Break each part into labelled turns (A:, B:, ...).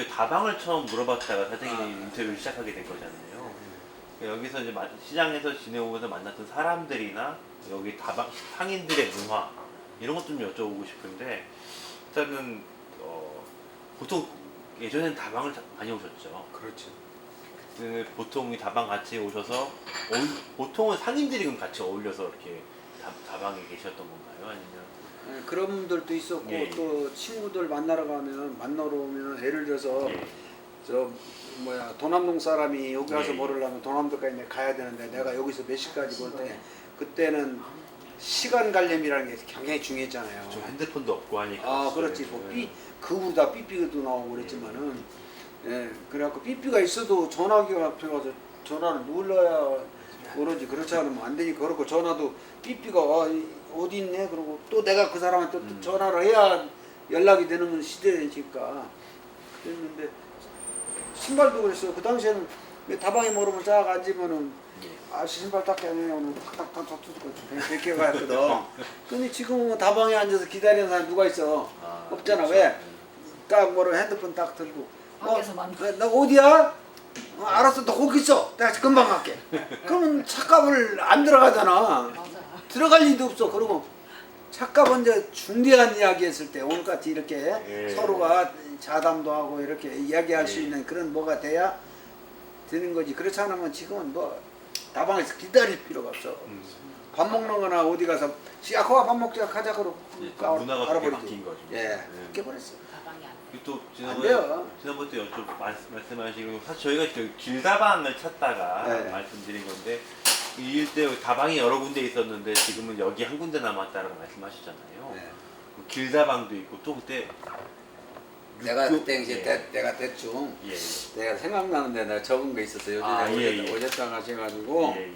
A: 다방을 처음 물어봤다가 사장님이 인터뷰를 시작하게 된 거잖아요. 여기서 이제 시장에서 지내오면서 만났던 사람들이나 여기 다방 상인들의 문화 이런 것 좀 여쭤보고 싶은데 일단은 보통 예전엔 다방을 많이 오셨죠.
B: 그렇죠.
A: 보통 이 다방 같이 오셔서 보통은 상인들이 그럼 같이 어울려서 이렇게 다방에 계셨던 건가요? 아니면
B: 그런 분들도 있었고
A: 예.
B: 또 친구들 만나러 오면 예를 들어서
A: 예.
B: 저 뭐야 도남동 사람이 여기 가서
A: 예.
B: 뭐를 하면 도남동까지 가야 되는데 내가 여기서 몇 시까지 볼 때 그때는 시간 관념이라는 게 굉장히 중요했잖아요.
A: 좀 핸드폰도 없고 하니까.
B: 아 그렇지 뭐 그보다 삐삐도 나오고 그랬지만은 그래갖고 삐삐가 있어도 전화기가 앞에 가서 전화를 눌러야 그러지 그렇지 않으면 안 되니까 그렇고 전화도 삐삐가 어디 있네 그러고 또 내가 그 사람한테 또 전화를 해야 연락이 되는 시대니까 그랬는데 신발도 그랬어요. 그 당시에는 다방에 모르면 쫙 앉으면은 신발 닦게 하네 오늘 탁탁탁탁 뜯고 이렇게 갔거든. 근데 지금은 다방에 앉아서 기다리는 사람 누가 있어? 없잖아.
A: 그렇죠.
B: 왜? 딱 뭐로 핸드폰 딱 들고
C: 밖에서 만나.
B: 나 어디야? 알았어 너 거기 있어. 내가 금방 갈게. 그러면 착각을 안 들어가잖아.
C: 맞아.
B: 들어갈 일도 없어. 그리고 착각 이제 중대한 이야기 했을 때 오늘같이 이렇게 서로가 자담도 하고 이렇게 이야기할 수 있는 그런 뭐가 돼야 되는 거지. 그렇지 않으면 지금은 뭐 다방에서 기다릴 필요가 없어. 밥 먹는 거나 어디 가서 시아코가 밥 먹자 가자 그러고
A: 문화가 그렇게 바뀐 거죠.
B: 그렇게 버렸어.
C: 다방이 안 돼.
A: 그리고 또
B: 안 돼요.
A: 지난번에 말씀하시고 사실 저희가 그 길다방을 찾다가
B: 네.
A: 말씀드린 건데 이 일대 다방이 여러 군데 있었는데 지금은 여기 한 군데 남았다라고 말씀하시잖아요.
B: 네.
A: 그 길다방도 있고 또 그때
B: 내가 그때
A: 예.
B: 이제 내가 대충
A: 예.
B: 내가 생각나는데 내가 적은 게 있었어. 요즘에 오셨다 가셔가지고
A: 예.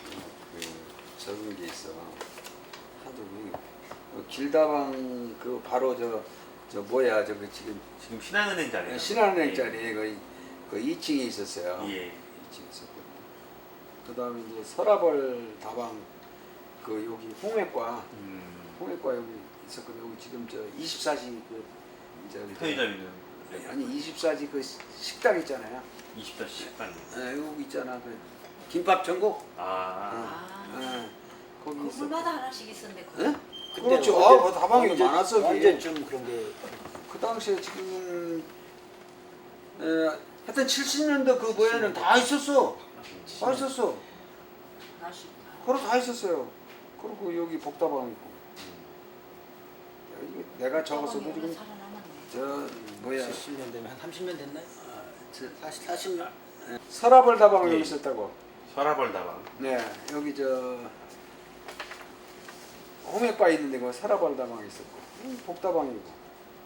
B: 그 적은 게 있어. 하도 그 길다방 그 바로 저 뭐야 저기 지금
A: 신한은행 자리.
B: 신한은행 자리에 그 2층에 있었어요.
A: 예.
B: 2층에 있었거든요. 그다음에 이제 서라벌 다방 그 여기 홍해과 여기 있었거든요. 여기 지금 저 24시 그 저기
A: 편의점 있는.
B: 아니 24시 그 식당 있잖아요.
A: 24시 식당.
B: 여기 있잖아 그 김밥 전국. 거기 있어.
C: 건물마다 하나씩 있었는데.
B: 예? 그렇죠. 다방이 많았어.
D: 언제쯤 그런 게
B: 그 당시에 지금 하여튼 70년대 그 뭐에는 다 있었어. 다 있었어.
C: 하나씩.
B: 그럼 다 있었어요. 그리고 여기 복다방 있고. 이거 내가 적었어도 지금
C: 살아남았네.
B: 저 뭐야
D: 70년 되면 한 30년 됐나요? 40년?
B: 서라벌 다방
A: 예.
B: 여기 있었다고.
A: 서라벌 다방.
B: 네 여기 저 홍해바 있는데 그 서라벌 다방 있었고 복다방이고.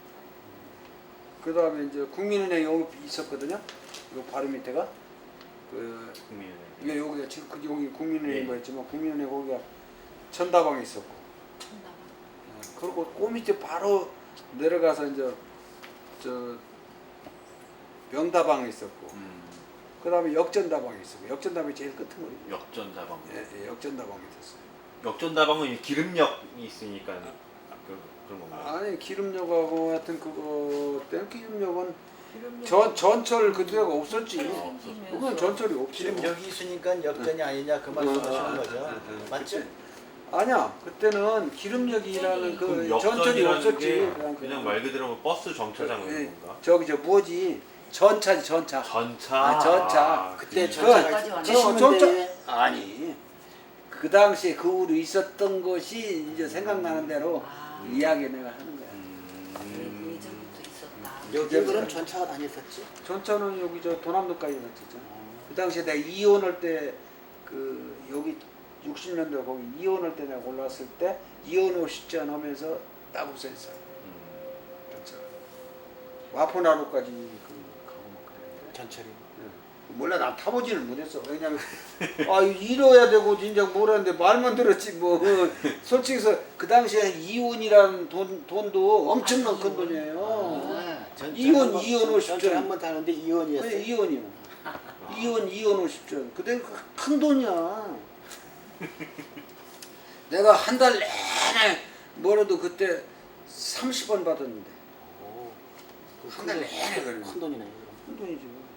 B: 그 다음에 이제 국민은행 여기 있었거든요. 요 바로 밑에가 그
A: 국민은행.
B: 이게 여기가 지금 여기 국민은행
A: 예.
B: 뭐였지만 국민은행 거기가 천다방에 있었고.
C: 천다방.
B: 그리고 그 밑에 바로 내려가서 이제 저 명다방에 있었고. 그 다음에 역전다방에 있었고. 역전다방이 제일 끝머리.
A: 역전 다방.
B: 예, 역전다방에 있었어요.
A: 역전 다방은 기름역이 있으니까 그런 건가요?
B: 아니 기름역하고 하여튼 그거 때 기름역은 전철 그때가 없었지. 그건 전철이 없지.
D: 지금 여기 있으니까 역전이 아니냐 그 말씀하시는 거죠? 맞죠?
B: 아니야 그때는 기름역이라는 그
A: 그럼
B: 전철이
A: 역전이라는
B: 없었지.
A: 게 그냥 말 그대로 뭐 버스 정차장
B: 예,
A: 이런 건가?
B: 저기 저 뭐지 전차지 전차.
A: 전차.
B: 전차.
D: 그때
A: 그
D: 전차가
C: 전차.
D: 70년대에
B: 아니 그 당시에 그 후로 있었던 것이 이제 생각나는 대로 이야기 내가 하는 거야.
C: 예전부터 있었다.
D: 여기 그럼 전차가 다녔었지?
B: 전차는 여기 저 도남도까지 갔었잖아. 그 당시에 내가 이혼할 때 그 여기 60년대 거기 이혼할 때 내가 올라왔을 때 이혼 50전 하면서 딱 없어졌어. 전차. 와포나루까지 그 가고 막 그랬는데.
D: 전철이.
B: 몰라 나 타보지는 못했어. 왜냐면 이뤄야 되고 진짜 뭐라는데 말만 들었지 뭐. 솔직히 그 당시에 이혼이라는 돈도 엄청난 큰 돈이에요. 이혼 50전
D: 전철 한번 타는데 이혼이었어요.
B: 아니, 이혼이요. 이혼 50전. 그때 큰 돈이야. 내가 한 달 내내 뭐라도 그때 30원 받았는데. 한 달 내내 그래.
E: 큰 돈이네.
B: 큰 돈이지.